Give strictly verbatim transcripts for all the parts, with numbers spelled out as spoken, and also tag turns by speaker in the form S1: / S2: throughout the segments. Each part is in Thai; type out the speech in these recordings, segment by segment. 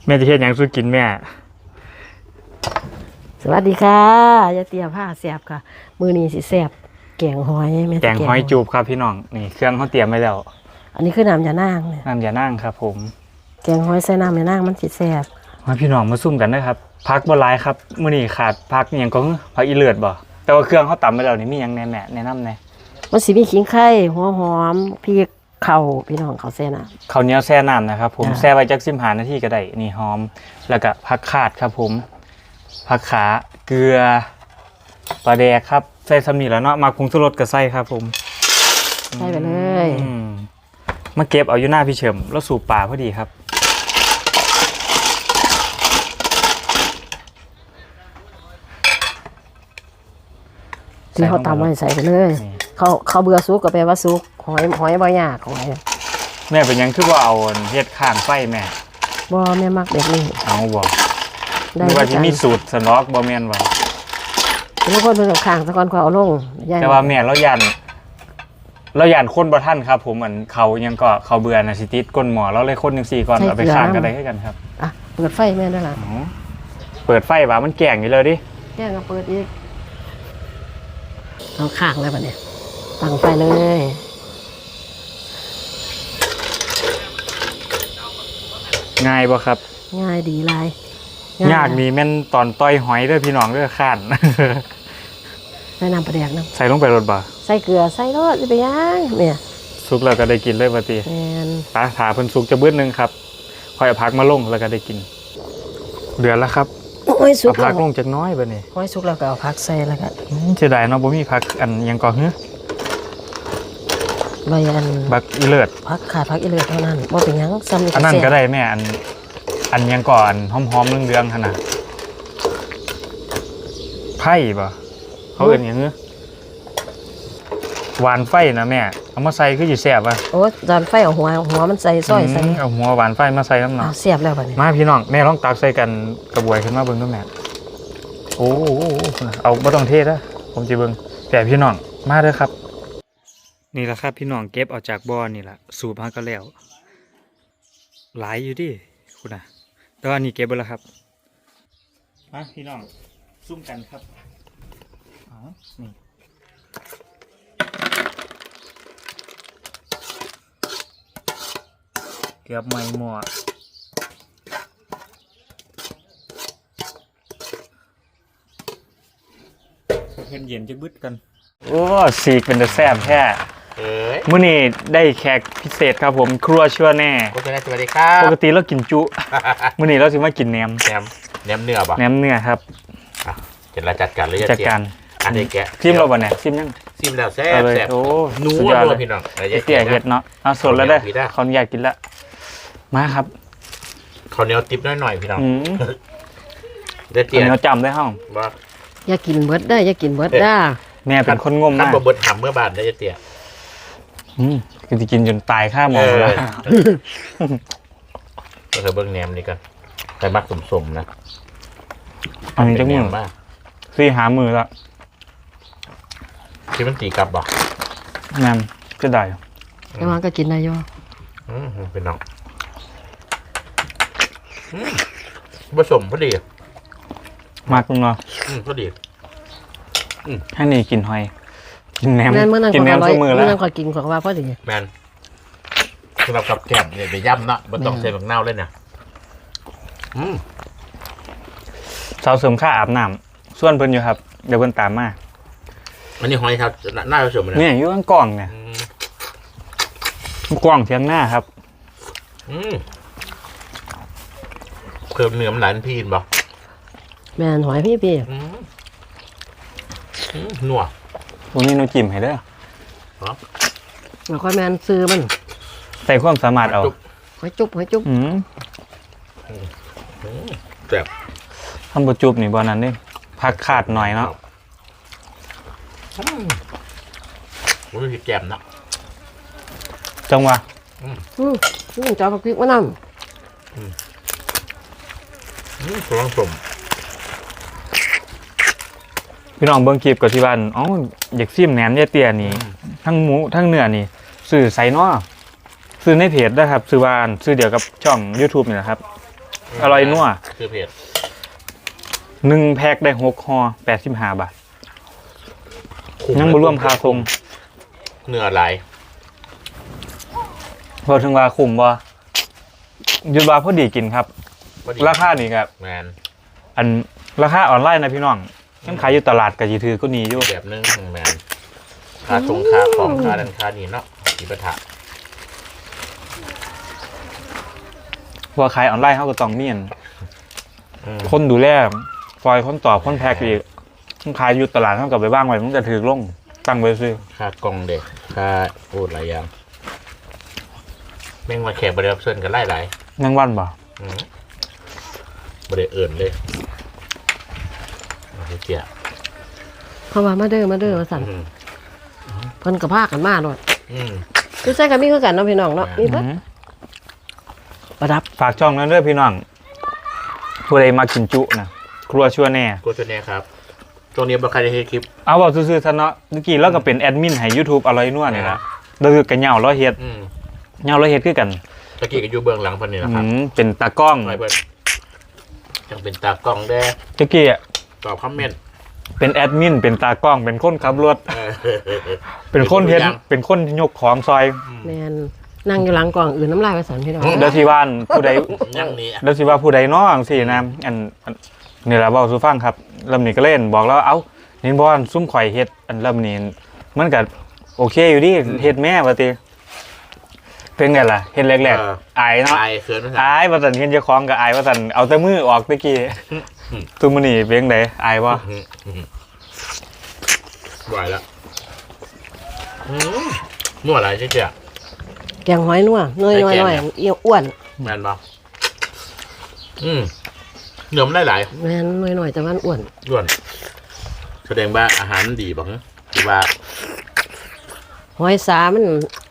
S1: แม่จะเฮ็ดหยังสู้กินแม่
S2: สวัสดีค่ะยายเตี้ยผ้าแสบค่ะมือนี้สิแสบแกงหอยแม่
S1: แกงหอยจูบครับพี่น้องนี่เครื่องเขาเตรียมไว้แล้ว
S2: อันนี้คือน้ำยานางเนี่ย
S1: น้ำยานางครับผม
S2: แกงหอยใส่น้ำยานางมันสิแสบ
S1: มาพี่น้องมาซุ่มกันนะครับพักบ่หลายครับมื้อนี้ขาดพักหยังก็พักอีเลือดบ่แต่ว่าเครื่องเขาตำไว้แล้วนี่มีหยังแน่แม่แนะนำแน่
S2: มันสิมีขิงไข่หัวหอมพริกเข่าพี่น้องเขาแซ่น้
S1: ำข้าวเหนียวแช่น้ำนะครับผมแช่ไว้จักสิบห้านาทีก็ได้นี่หอมแล้วก็ผักขาดครับผมผักขาเกลือปลาแดกครับใส่สำนีแล้วเนาะมาปรุงชูรสกับไส้ครับผม
S2: ใส่ไปเลย
S1: มาเก็บเอาอยู่หน้าพี่เฉิมแล้วสูบป่าพอดีครับ
S2: ที่เขาตำไว้ใส่ไปเลยเขาเขาเบื่อซุกก็แปลว่าซุกหอยหอยบ่ยากหอย
S1: แม่เป็นยังคือว่าเอาเฮ็ดข้างไฟแม่
S2: บ่แม่มักแบบนี้
S1: เอาบ่ได้ว่าที่มีสูตรสนอกบ่แม่นว่า
S2: ทุกคนเป็นข้างตะกอนเขาเอาลง
S1: แต่ว่าแม่เรายันเรายันคนบ่ทันครับผมเหมือนเขายังก็เขาเบื่อนะสิติดก้นหมอเราเลยคนจังซี่ก่อนเอาไปข้างกันได้คือกันครับ
S2: อ่ะเปิดไฟแม่ได้ล่ะ
S1: เปิดไฟว่ามันแกงอยู่เลยดิ
S2: แกงก็เปิดอีกเอาข้างเลยบัดนี้ตั้งไฟเลย
S1: ง่ายบ่ครับ
S2: ง่ายดีลาย
S1: ยากมีแม่นตอนต้อยหอยเด้อพี่น้องเด้อข้าน
S2: ใส่น้ำปลาแดกน้ำ
S1: ใส่ลงไปรสบ่
S2: ใส่เกลือใส่รสจะไปย่างเนี่ย
S1: สุกแล้วก็ได้กินเลยว่าติ
S2: แม่น
S1: ปลาถาเพิ่นสุกจะเบิดนึงครับค่อยเอาผักมาลงแล้วก็ได้กินเดือดแล้วครับ
S2: โอ้ยสุก
S1: เอาผักลงจักน้อยบัดนี้
S2: โอ้ยสุกแล้วก็เอาผักใส่แล้วก็
S1: เสียดายเนาะบ่มีผักอันยังก่อหื้อ
S2: ใบอัน
S1: บักอีเลิศ
S2: ผักขาดผักอีเลิศเท่านั้นบ่เป็นหยังซ้ำ
S1: อันนั้นก็ได้แม่อันอันยังก่อนหอมๆเรื่องๆขนาดไผ่ป่ะเขาเอื่นอย่างเงี้ยหวานไฟนะแม่เอามาใส่คืออยู่แซ่บป่ะ
S2: โอ้จานไฟเอาหัวหัวมันใส่ซอยใส่
S1: เอาหัวหวานไฟมาใส่น้ำหนัก
S2: แซ่บแล้วป่ะนี่
S1: มาพี่น้องแม่ลองตักใส่กันกระบวยขึ้นมาเบิ้งด้วยแม่โอ้เอาไม่ต้องเทศนะผมจะเบิ้งแต่พี่น้องมาเด้อครับนี่แหละครับพี่น้องเก็บออกจากบ่อนี่แหละสูบมาก็แล้วหลายอยู่ดิคุณนะแต่ว่านี่เก็บไปแล้วครับมาพี่น้องซุ่มกันครับอ๋อนี่เกือบไม่หมดเพื่อนเย็นจะบึดกันโอ้สีกเป็นแต่แซ่บแท้มื้อนี้ได้แขกพิเศษครับผมครัวชัวแน่
S3: สวัสดีครับ
S1: ปกติเรากินจุมื้อนี้เราสิมากินแหนม
S3: แหนมแหนมเนื้อป่ะ
S1: แหนมเนื้อครับ
S3: เดี๋ยวเราจัดการเลย
S1: จัดการ
S3: อันนี้แกะ
S1: ซิมเราบ่เนี่ยซิมยัง
S3: ซิมแล้วแซ่บแซ่บ
S1: โอ้
S3: นัวเลยพี่น้อง
S1: เตี้ยเห็ดเนาะเอาสดแล้วได้ขออนุญาตกินละมาครับ
S3: ข้าวเหนียวติ๊บน้อยๆพี่น้อง
S1: เตี้ยเหนียวจำได้ห้อง
S2: อย่ากินเบิดได้อย่ากินเบิดได้
S1: แม่เป็นคนงมมาก
S3: ขั้นบดหำเมื่อบานได้เตี้ย
S1: อืมคือจะกินจนตายข้าหมอแล้ว
S3: ก็เธอเบิ้งแหนมนี่กันแต่มักสมๆนะ
S1: อันนี้จะมือมากซี่หามือละ
S3: ที่มันตีกลับบ่
S1: แหนมก็ได้
S2: แต่ว่าก็กินได้ย่อ
S3: อืมเป็นน้องผสมพอดี
S1: มากตรงเนาะ
S3: พอดี
S1: ให้นี่กินหอยกินแหนม
S2: กินแหนมทุกมือแล้วเมื่อนั้นขอกินของว่าพอดี
S3: แมนสำหรับกับแกมเนี่ยไปย่ำเนาะมันต้องใส่ผักเน่าเลยเนี่ย
S1: สาวเสริมข้าอาบน้ำส่วนเพิ่นอยู่ครับเดี๋ยวเพิ่นตามมา
S3: อันนี้หอยครับหน้าผสม
S1: เนี่ยอยู่ข้างกล่องเนี่ยกล่องเทียงหน้าครับ
S3: เพิ่มเนื้อมันหลายพีนบ่
S2: แม่นหอยพี่พี่
S3: นัว
S1: วันนี้หนูจิ้มให้เด้อ
S2: แล้วค่อยแม่นซื้อมัน
S1: ใส่ความสามารถเอา
S2: หอยจุ๊บหอยจุ๊บ
S1: อืม
S3: แซ่บ
S1: ทำบุจุบนี่บอนั้นนี่พักขาดหน่อยเนาะ
S3: มันมีแกมเนาะ
S1: จังวะ
S2: อืมนี่จอผักพริกมะนาว
S3: อืมกำลังสม
S1: พี่น้องเบิ้งคลิปกับที่บ้านอ๋ออยากซิมแหนมเตี้ยนี่ทั้งหมูทั้งเนื้อนี่ซื้อไซน์เนาะซื้อในเพจได้ครับซื้อบ้านซื้อเดียวกับช่อง ยูทูบ นี่แหละครับอร่อยนัว
S3: คือเผ็ด
S1: หนึ่งแพ็คได้หกห่อแปดสิบห้าบาทยังบ่รวมค่าส่ง
S3: เนื้อไหล
S1: พอถึงว่าคุ้มบ่หยุดว่าพอดีกินครับ
S3: พอดี
S1: ราคานี่ครับ
S3: แมน
S1: อันราคาออนไลน์นะพี่น้องยังขายอยู่ตลาดก็สิถือก็นี้อยู่
S3: แบบนึงแมนค่าชงค่าของค่าดันค่านี่เนาะอีปะทะ
S1: เพราะว่าขายออนไลน์เฮาก็ต้องมีอัน
S3: อืม
S1: คนดูแลคอยคนตอบคนแพ็คอีกมันขายอยู่ตลาดเฮาก็ไปวางไว้มันจะถือลงตั้งไว้ซื้อ
S3: ค่ากล่องเด็กค่าโอ้หลายอย่างแม่งมาแขกบริรับเชิญกันไล่หลาย
S1: แมงวันบ่
S3: อืมบริเอิญเลยเอาเจีย
S2: เพราะว่ามาเด้อมาเด้อว่าสั่น
S3: อืม
S2: เพิ่นก็พากันมาโลด
S3: อืม
S2: คือใส่กันมีคือกันเนาะพี่น้องเนาะมีเบิด
S1: อืม
S2: ประดับ
S1: ฝากช่องนั้นเด้อพี่น้องผู้ใดมากินจุนะครัวชั่วแน่
S3: กูจะเนี่ยครับช่วงนี้บางใครได้เห็นคลิป
S1: เอาบอกซื่อๆซะเนาะเมื่อกี้เราก็เป็นแอดมินให้ YouTube อร่อยนัวนี่ล่ะเราคือกันเหยาเราเฮ็ด
S3: อืม
S1: เหยาเราเฮ็ดคือกัน
S3: ตะกี้ก็อยู่เบื้องหลังเพันนี่แหละ
S1: อื
S3: ครับ
S1: มเป็นตากล้อง
S3: ไปเพื่อนยังเป็นตากล้องแด้
S1: เมื่อกี้อะ
S3: ตอบคอมเมนต์
S1: เป็นแอดมินเป็นตากล้องเป็นคนขับรถ
S3: เออ
S1: เป็นคนเฮ็ด
S3: เป็นตัวอย่าง
S1: เป็นคนยกของซอย
S2: แม่นนั่งอยู่หลังกล่องอื่นน้ำลายว่าสั่นพี่น้อง
S1: เดี๋ยวสิว่านผู้ใด
S3: ยังนี้
S1: เดี๋ยวสิว่าผู้ใดเนาะจังซี่นะอันอันนี่ล่ะเว้าสู่ฟังครับลำนี้ก็เล่นบอกแล้วเอ้าเห็นบ่อันซุ่มข่อยเฮ็ดอันลำนี้มันก็โอเคอยู่ดิเฮ็ดแม่ว่าติเป็นไงล่ะเฮ็ดแรกๆอายเนาะ
S3: อายเขินภาษา
S1: อายว่าซั่นเฮ็ดเจ้าของก็อายว่าซั่นเอาแต่มือออกตะกี้ตุมื้อนี้เป็นจังไดอายบ่
S3: ไหวแล้วอืมมั่วอะไรเจ๊เจ๊
S2: แกงหอยนัวน้อย
S3: ไอ้
S2: น้อย
S3: แกง
S2: น้อย
S3: เนี่ย
S2: เอียวอ้วน
S3: แมนบ่อืมเนื้อมันได้หลาย
S2: แม่นน้อยน้อยแต่มันอ้วน
S3: ด้วนแสดงว่าอาหารดีบ้างหรือว่า
S2: หอยสามัน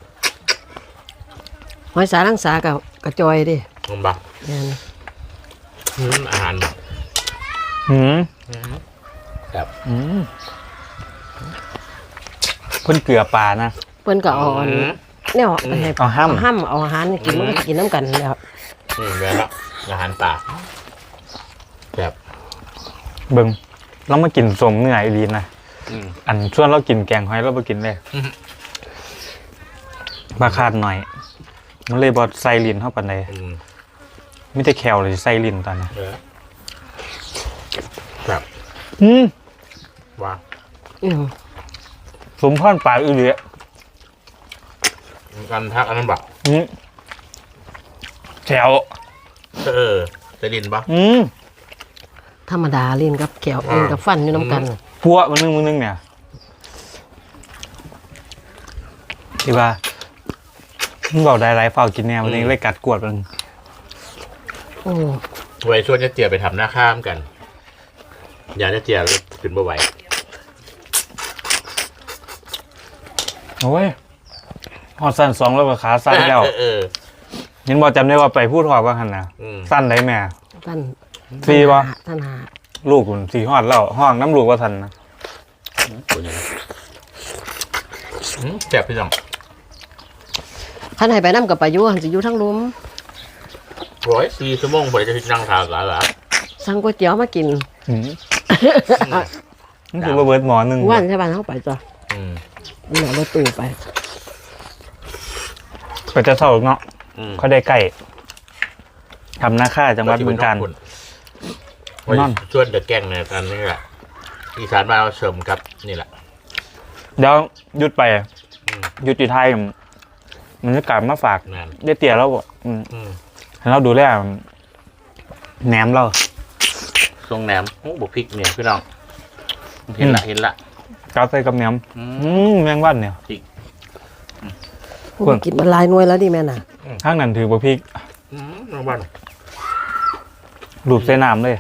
S2: หอยสาลังสากับกระจอยดิ
S3: มันบ้า
S2: แม่น
S3: อืมอาหารบ่
S1: หืม
S3: แบบ
S1: อืมเพิ่นเกลือปลานะ
S2: เพิ่นก็เอาอันเนี่ยให้
S1: เอาห้ำ
S2: เอาห้ำเอาอาหารให้กินมันก็กินน้ำกันแล้ว
S3: อืมแบบละอาหารป่าแบบ
S1: เบิ่งเรามากินสมเนื้ออีหลีนะ
S3: อืม
S1: อันส่วนเรากินแกงหอยเราบ่กินเลย
S3: อืม
S1: บาคาดหน่อย มันเลยบ่ใส่ลิ้นเฮาปานใด
S3: อืม
S1: มีแต่แคลเลยใส่ลิ้นตอนนี้
S3: เออแบบ
S1: อืม
S3: ว่า
S2: อืม
S1: สมพรปากอีหลี
S3: การทักอันนั้นแบบ
S1: อืมแถว
S3: เออจะดินปะ
S1: อืม
S2: ธรรมดาลิ้นกับแก้วลิ้นกับฟันอยู่น้ำกัน
S1: พัวมันนึงมันนึงเนี่ยที่ว่ามันบอกได้ไรเฝ้ากินแนวมันเองเลยกัดกวดมัน
S2: โอ้
S3: ไว้ชวนจะเจียไปทำหน้าข้ามกัน อยากจะเจียขึ้นบ่ไหว
S1: โอ้ยหอดสั้นสองแล้วก็ขาสั้นแล้ว
S3: เออเออ
S1: ยินบอกจำได้ว่าไปพูดหอบว่าหันนะ
S3: อืม
S1: สั้นได้แม่
S2: ท่าน
S1: ฟรีปะ
S2: ท่านหา
S1: ลูกคุณสี่หอดแล้วห้องน้ำลูกว่าทันนะ
S3: ตัวนี้อืมแซ่บพี่น้อง
S2: ท่านให้ไปน้ำกับปลายุหันสิอยู่ทั้งลุม
S3: ร้อยสี่ชั่วโมงพอจะนั่งทานกันเหรอ
S2: สั่งก๋วยเตี๋ยวมากิน
S1: อืมนี่คือว่าเบิร์ดหมอหนึ่ง
S2: ว่านใช่ป่ะเข้าไปจ้ะ
S3: อืม
S2: นี่แหละรถตู้ไป
S1: ก็จะเศร้าเนาะ
S3: อืม
S1: เขาได้ใกล้ทำหน้าค่าจังหวัดบึงกาฬ
S3: วัน
S1: นั่น
S3: ชวนเดอะแกงในกันนี่แหละอีสานมานเราเสริมครับนี่แหละ
S1: เดี๋ยวหยุดไป
S3: อืม
S1: หยุดอยู่ไทยมันจะกลับมาฝาก
S3: งาน
S1: ได้เตี๋ยแล้วบอกอืม
S3: อืม
S1: ให้เราดูแลแหนมเรา
S3: ทรงแหนมโอ้บุพริกเนี่ยพี่น้องเห็นละ
S1: อืม
S3: เห็นละ
S1: กาใส่กับแหนม
S3: อืม
S1: อืมแมงวันเนี่ย
S2: กูกินมันหลายหน่วยแล้วดิแม่น่ะ
S1: ข้างนั้นถือบ่พริก
S3: อืมน้องบ้าน
S1: รูปใส่น้ำเลย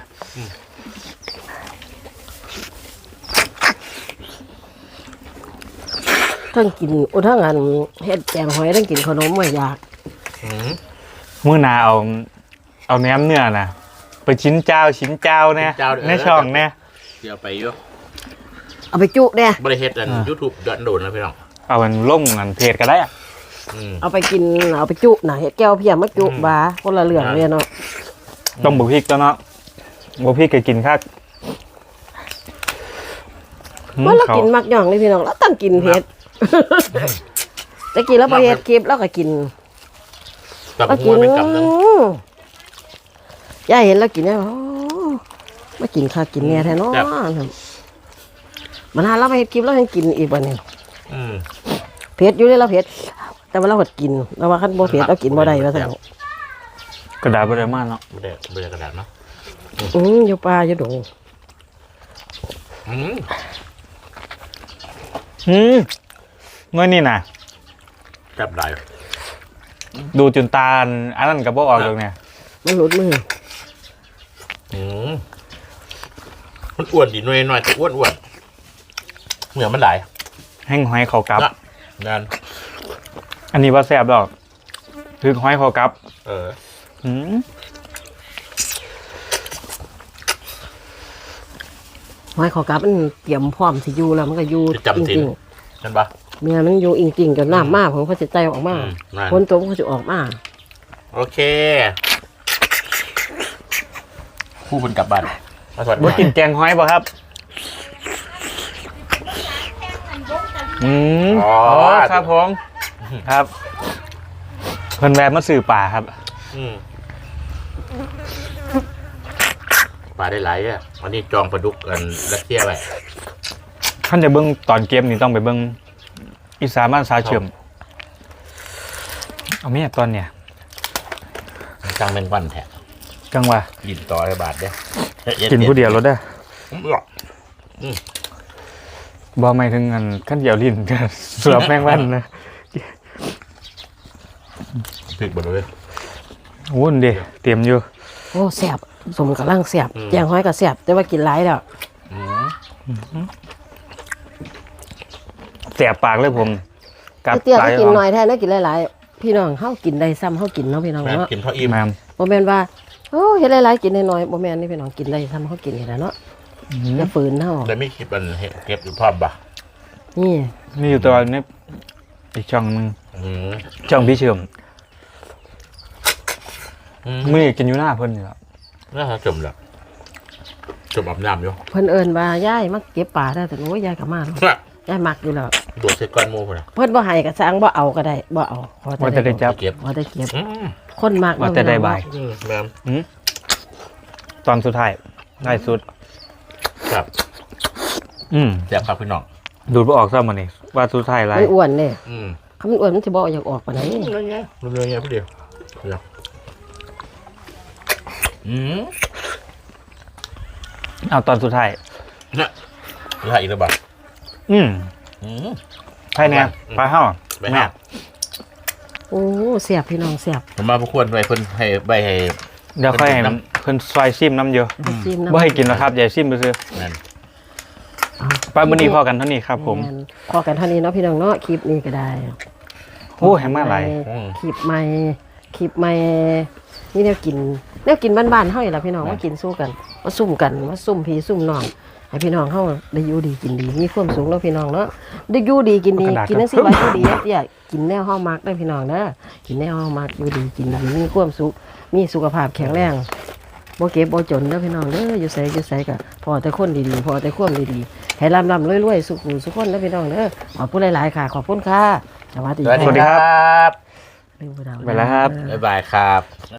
S2: ทั้งกินโอ้ทั้งอันเฮ็ดแกงหอยทั้งกินขนมไม่อยาก
S3: อืม
S1: มื้อหนาเอา เอาแหนมเนื้อน่ะ ไปชิ้นเจ้าชิ้นเจ้าเนี่ย
S3: ชิ้นเจ้าเด้อ
S1: ในช่องเนี่ย
S3: เดี๋ยวไปอยู่
S2: เอาไปจุเนี่ย
S3: บริเฮ็ดอัน
S1: อ่า
S3: ยูทูบเดือนโดนนะพี่น้อง
S1: เอามันล่มกันเพจก็ได้อะ
S3: อืม
S2: เอาไปกินเอาไปจุน่ะเฮ็ดแก้วเพียมมาจุ
S3: อืม
S2: บาคนละเรื่องเลยเนาะ
S1: ต้องบุกพริกแล้วเนาะบุกพริกก็กินคักหืม
S2: ว่าเรา
S1: เขา
S2: กินมักย่องเลยพี่น้องเราต้องกินเผ็ดจะกินแล้วพอเฮ็ดคลิปเราก็กิน
S3: กับ
S2: เรา
S3: หั
S2: กิ
S3: วน เป็นกำนึง
S2: ย่าเห็นเรากินแล้วโอ้มากินข้าวกินเนี่ยแท้เนาะมันหาเราไปเฮ็ดคลิปเราให้กินอีกวันนี้
S3: อืม
S2: เผ็ดอยู่เลยเราเผ็ดแต่ว่าเราก็กินเราว่าคันบ่เผ็ดเรากินบ่ได้ว่าซั่น
S1: กระดาษบริมากเนาะ
S3: ไม่ได้ไม่ได้กระดาษเนาะ
S2: อืออยู่ป่าอยู่ดง
S3: อืม
S1: หืมเมื่อนี่น่ะ
S3: จับได้
S1: ดูจนตาอันนั้นกับพวกออกตรงเนี่ย
S2: มันหลุดมือ
S3: อืมมันอ้วนดีหน่อยหน่อยแต่อ้วนอ้วนเหนือมันหลาย
S1: แห้งหอยเขากับ
S3: นะนั่น
S1: อันนี้ว่าแซ่บดอกคือหอยเขากับ
S3: เออ
S1: หืม
S2: หอยขอกลับมันเตรียมพร้อมสิอยู่แล้วมันก็อยู่
S3: จะจำ
S2: จ
S3: สิน
S2: ริง
S3: นั่นปะ
S2: ๆเมียมันอยู่จริงๆจนน้ำมากผมก็จะใจออกมา
S3: อืมนั่น
S2: คนตัวมันก็จะออกมา
S3: โอเคคู่เป็นกลับบ้านมาสวัสดี
S1: บ่กินแกงหอยป่ะครับอืม
S3: อ๋อ
S1: อ๋อครับผมครับเพิ่นแวะมาสื่อป่าครับ
S3: อืมปลาได้หลายอ่ะอันนี้จองปลาดุกกันรัสเซียไว้
S1: ท่านจะเบิ้งตอนเกมนี่ต้องไปเบิ้งอีสานบ้านสาเชื่อมเอาเมียตอนเนี่ย
S3: จังเป็นวันแท้
S1: จังว่า
S3: ยินต่อให้บาทเด้อ
S1: กินผู้เดียวรถได้
S3: อืมหรอก
S1: บ่ไม่ถึงเงินขั้นเดียวลิ้น ก็เสือบแมงวันนะ
S3: พริกบดเลย
S1: วุ่นเดีเตรียมอยู่
S2: โอ้แซ่บสมกำลังแซ่บ
S3: อืม
S2: แจงหอยก็แซ่บแต่ว่ากินหลายแล้ว
S3: อืม
S1: แสบปากเลยผมกัด
S2: เตี้ย
S1: ปลา
S2: ก็กินหน่อยแท้นะกินหลายๆพี่น้องเฮากินได้ซ้ำเฮากินเนาะพี่น้อง
S3: แม่
S2: เนาะ
S3: กินเท่าอิ่ม
S1: แมม
S2: บ่แม่นว่าโอ้เฮ็ดหลายๆกินน้อยๆบ่แม่นนี่พี่น้องกินได้ซ้ำเฮากินนี่แหละเนาะอย่าฝืนเฮา
S3: แต่ไม่คิดมันเก็บอยู่พร้อมปะ
S2: นี่
S1: นี่อยู่ตัวนี้อีกช่องหนึง
S3: อืม
S1: ช่องพี่เชื่อม
S3: อืม
S1: มือกินอยู่หน้าเพิ่นอยู่แล้ว
S3: น่าจะจมแล้วจมอาบน้ำอยู่
S2: เพิ่นเอิ้นว่ายายมาเก็บปลาได้แต่โอ้ยยายก็มาเนาะ
S3: น่ะ
S2: ยายมักอยู่แล้ว
S3: โดดใส่ก้อนหมูพุ่นน่ะ
S2: เพิ่นบ่ให้ก็สร้างบ่เอาก็ได้บ่เอาขอ
S1: ว่าจะได้จับ
S3: เก็บ
S2: ขอได้เก็บ
S3: อืม
S2: คนมัก
S1: ว่าจะได้บาย
S3: อืมแม่ม
S1: อืมตอนสุดท้ายได้สุด
S3: ครับ
S1: อืม
S3: แซ่บครับพี่น้อง
S1: ดูดบ่ออกซะมื้อนี้ว่าสุดท้ายไร
S2: มันอ้วนเด้
S3: อืม
S2: คันมันอ้วนมันสิบ่อยากออกปานใด
S3: เรื่องเงี้ยเรื่องเงี้ยพี่เดียวเดี๋ยวอืม
S1: เอาตอนสุดท้าย
S3: น่ะเหลืออีกแล้วบ่
S1: อืม
S3: อืม
S1: ใช่เนี่ยไปเฮา
S3: ไปห้า
S2: โอ้แซ่บพี่น้องแซ่บ
S3: ผมมาพวกควรไว้เพิ่นให้ใบให้
S1: เดี๋ยวค่อยให้
S3: เป็นน้
S1: เพิ่นซอยซิมน้ำเยอะ
S2: ไปจิ้มน้ำ
S1: บ่ให้กินแล้วครับอย่าซิมซื่อ
S3: นั่น
S1: ๆไปมื้อนี้พอกันเท่านี้ครับผม
S2: แนพอกันเท่านี้เนาะพี่น้องเนาะคลิปนี้ก็ได้
S1: โอ้แฮงมาหลาย
S3: อืม
S2: คลิปใหม่คลิปใหม่นี่แนวกินแนวกินบ้านๆเฮานี่ล่ะพี่น้องมากินสู้กันมาซุ่มกันมาซุ่มพี่ซุ่มน้องให้พี่น้องเฮาได้อยู่ดีกินดีมีความสุขเนาะพี่น้องเนาะได้อยู่ดีกินดี
S1: กระดาษ
S2: กินจังซี่ไว้อยู่ดีเตี้ยกินแนวเฮามักได้อพี่น้องเด้อกินแนวเฮามักอยู่ดีกินดีมีความสุขมีสุขภาพแข็งแรงบ่เก็บบ่จนเด้อพี่น้องเด้ออยู่ไสอยู่ไสก็พอแต่คนดีๆพอแต่ความดีๆให้ร่ำๆรวยๆสุขหูสุขคนเด้อพี่น้องเด้อขอบคุณหลายๆค่ะขอบคุณค่ะสวัสดี
S3: สวัสดี
S1: สวัสดี
S3: ค
S1: ครั
S3: รับ
S2: ลืมไปแล้ว
S1: ไปแล้วครับ
S3: บ๊ายบายครับ